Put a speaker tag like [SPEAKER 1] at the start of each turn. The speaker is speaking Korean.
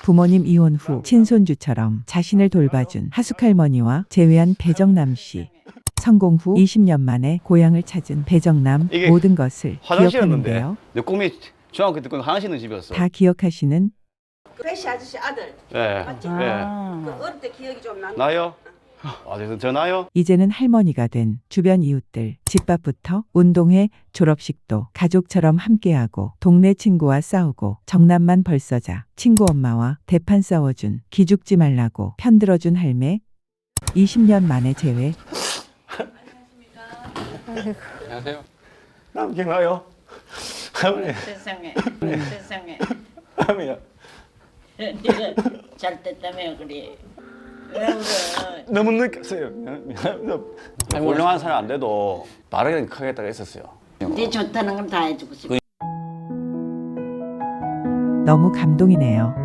[SPEAKER 1] 부모님 이혼 후 친손주처럼 자신을 돌봐준 하숙할머니와 재회한 배정남 씨. 성공 후 20년 만에 고향을 찾은 배정남.
[SPEAKER 2] 이게
[SPEAKER 1] 모든 것을
[SPEAKER 2] 화장실이었는데
[SPEAKER 1] 기억하는데요.
[SPEAKER 2] 내 꿈이 중학교 때 화장실 있는 집이었어.
[SPEAKER 1] 다 기억하시는
[SPEAKER 3] 배씨 아저씨 아들.
[SPEAKER 2] 예.
[SPEAKER 3] 맞지?
[SPEAKER 2] 예.
[SPEAKER 3] 그 어릴 때 기억이 좀 나.
[SPEAKER 2] 나요? 아, 그래서 저 나요?
[SPEAKER 1] 이제는 할머니가 된 주변 이웃들, 집밥부터 운동회, 졸업식도 가족처럼 함께하고 동네 친구와 싸우고 정남만 벌써자 친구 엄마와 대판 싸워준 기죽지 말라고 편들어준 할매. 20년 만에 재회.
[SPEAKER 2] 안녕하세요. 남 기억나요? 할머니.
[SPEAKER 4] 세상에 세상에
[SPEAKER 2] 할머니야.
[SPEAKER 4] 네가 잘 됐다며 그래. 왜 그래?
[SPEAKER 2] 너무 느꼈어요. 훌륭한 사람 안 돼도 바르게 크겠다고 했었어요.
[SPEAKER 4] 네 좋다는 건 다 해주고 싶어.
[SPEAKER 1] 너무 감동이네요.